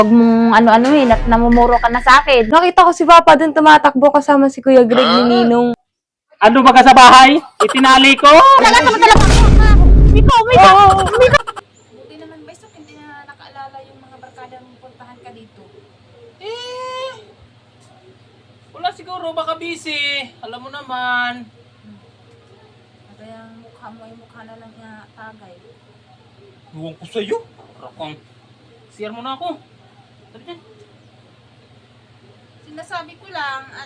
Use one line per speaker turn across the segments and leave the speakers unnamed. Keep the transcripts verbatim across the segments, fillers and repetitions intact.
Huwag mong ano-ano eh, nat namumuro ka na sa akin.
Nakita ko si Papa dun tumatakbo kasama si Kuya Greg ni Ninong.
Ano ba ka sa bahay? Itinali ko!
Talaga sa talaga ako, ha? Miko, Miko, Miko!
Buti naman ba, so hindi na nakaalala yung mga barkada mong puntahan ka dito.
Eh, wala siguro, baka busy. Alam mo naman.
Kaya ang mukha mo ay mukha na lang niya tagay.
Huwag ko sa'yo. Rakang, siyar mo na ako. Sabi dyan.
Sinasabi ko lang at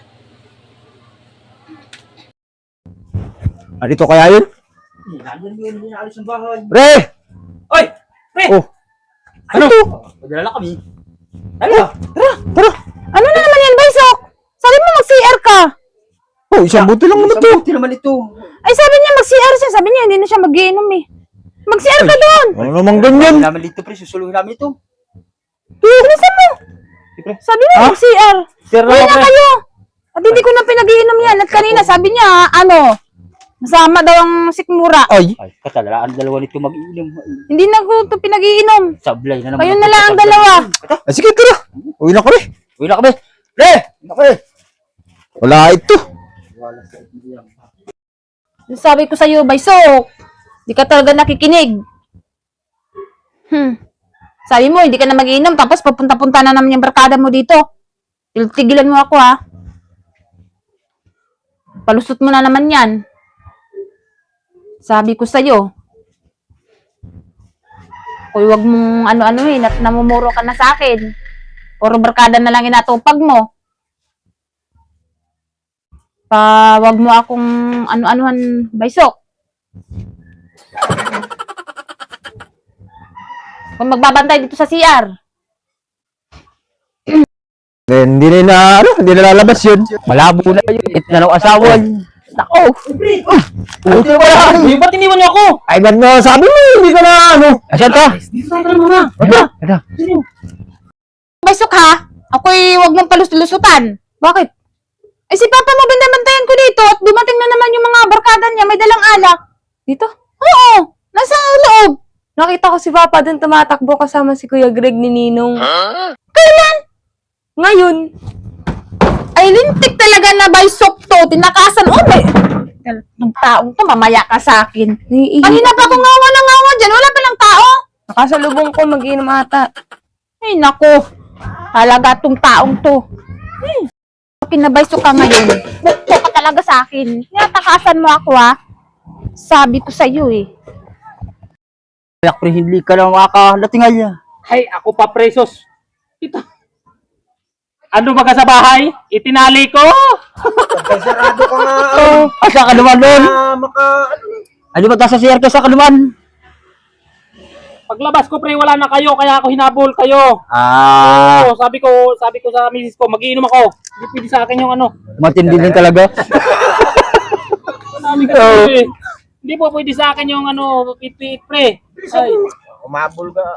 Ah, dito kaya yun?
Nandiyan yun, hindi naalis ng bahay.
Pre!
Oy! Pre!
Oh!
Ano?
Padala kami.
Tara! Tara!
Ano na naman yan, Baysok? Sabi mo mag-C R ka.
Oh, isang buti lang naman to.
Isang buti naman ito.
Ay, sabi niya mag-C R siya. Sabi niya, hindi na siya mag-iinom eh. Mag-C R ka doon.
Ano namang ganyan?
Namin dito, pre. Susuluhin namin ito.
Bilisan mo. Sabi mo
Ha?
mag-C R.
Sir
Uwi
na
na
pre.
kayo. At hindi ko na pinag-iinom yan. At kanina sabi niya, ano, masama daw ang sikmura.
Ay!
Ay, katala, ang dalawa nito mag-iinom.
Hindi na ko ito pinag-iinom.
Sablay na naman.
Kayo na lang ang dalawa.
Ah, sige, tara! Uwi na kami.
Uwi na kami. Pre! Uwi na kami.
Wala ito.
Wala sa ito.
Sabi ko sa'yo, Baysok, di ka talaga nakikinig. Hmm. Sabi mo, hindi ka na mag-iinom, tapos papunta-punta na naman yung barkada mo dito. Tigilan mo ako, ha? Palusot mo na naman yan. Sabi ko sa'yo, kung wag mong ano-ano eh, nat namumuro ka na sa akin. Puro barkada na lang inatupag mo. Pa, wag mo akong ano-anuhan, Baysok. Kung magbabantay dito sa C R.
Eh, hindi na na, ano, hindi na lalabas yun.
Malabo na yun. It na ng asawa.
Nako!
Buti na wala.
Uy, ba't iniwan niyo ako?
Ay, ba't mo sabi mo, hindi ka na, ano?
Asan ka?
Tara muna.
Ito.
Ito.
Baysok ha? Ako'y wag mong palus-lusutan. Bakit? Eh si Papa mo binabantayan ko dito at dumating na naman yung mga barkada niya, may dalang alak.
Dito?
Oo! Nasa loob!
Nakita ko si Papa dun tumatakbo kasama si Kuya Greg ni Ninong.
Kailan?
Ngayon.
Ay, lintik talaga na Baysok to. Tinakasan. Oh, may... Ng taong to, mamaya ka sa akin.
Naiihi.
Kanina pa ako ngawa na ngawa dyan. Wala pa lang tao.
Nakasalubong ko, mag-iinom ata.
Ay, nako. Halaga tong taong to. Hmm. Kinabaysok ka ngayon. Bukto ka talaga sa akin. Tinatakasan mo ako, ha? Sabi ko sa'yo, eh.
Kaya pre, hindi ka lang makakalatingal niya.
Hay, ako pa presos. Ito. Ano ba ka sa bahay? Itinali ko!
Sarado ka nga. Oh, asa ka naman doon? Maka... Ano ba nasa C R ka sa kanuman?
Paglabas ko, pre, wala na kayo, kaya ako hinabol kayo.
Ah,
Oo, sabi ko, sabi ko sa misis ko, magiinom ako. Hindi pwede sa akin yung ano.
matindi din talaga.
Sabi ko, eh, hindi po pwede sa akin yung ano, pit-pit, pre. Ay,
Umabol ka.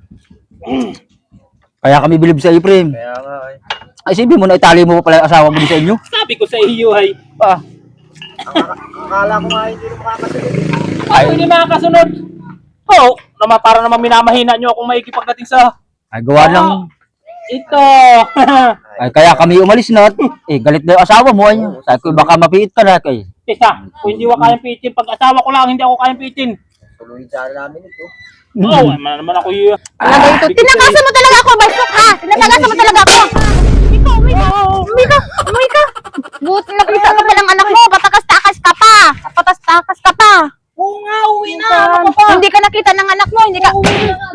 Kaya kami bilib sa Efrem. Kaya nga eh. Ay, sabi mo na itali mo pa pala yung asawa mo din sa inyo.
sabi ko sa iyo, ay.
Ah,
Akala ko nga hindi na makakasunod.
Ay, hindi makakasunod. Oo, naman, para naman minamahina nyo akong maigi pagdating sa...
ay gawa lang.
Oo, ito.
Ay, kaya kami umalis na. Eh, galit na yung asawa mo. Ay, sabi ko, baka mapiit ka na. Kay.
Isa, kung hindi ko kayang pitin, pag asawa ko lang, hindi ako kayang pitin.
Tuloy sa namin ito.
Oo, oh, naman, naman ako yun.
Talaga ito. Tinakasan mo talaga ako, Baysok, ha? Tinakasan mo talaga ako. Miko, Miko, Miko, Miko. Buti nakita ka palang anak mo. Patakas-takas ka pa. Patas-takas ka pa.
Oo nga, uwi na. Ano ka pa?
Hindi ka nakita ng anak mo. Hindi ka...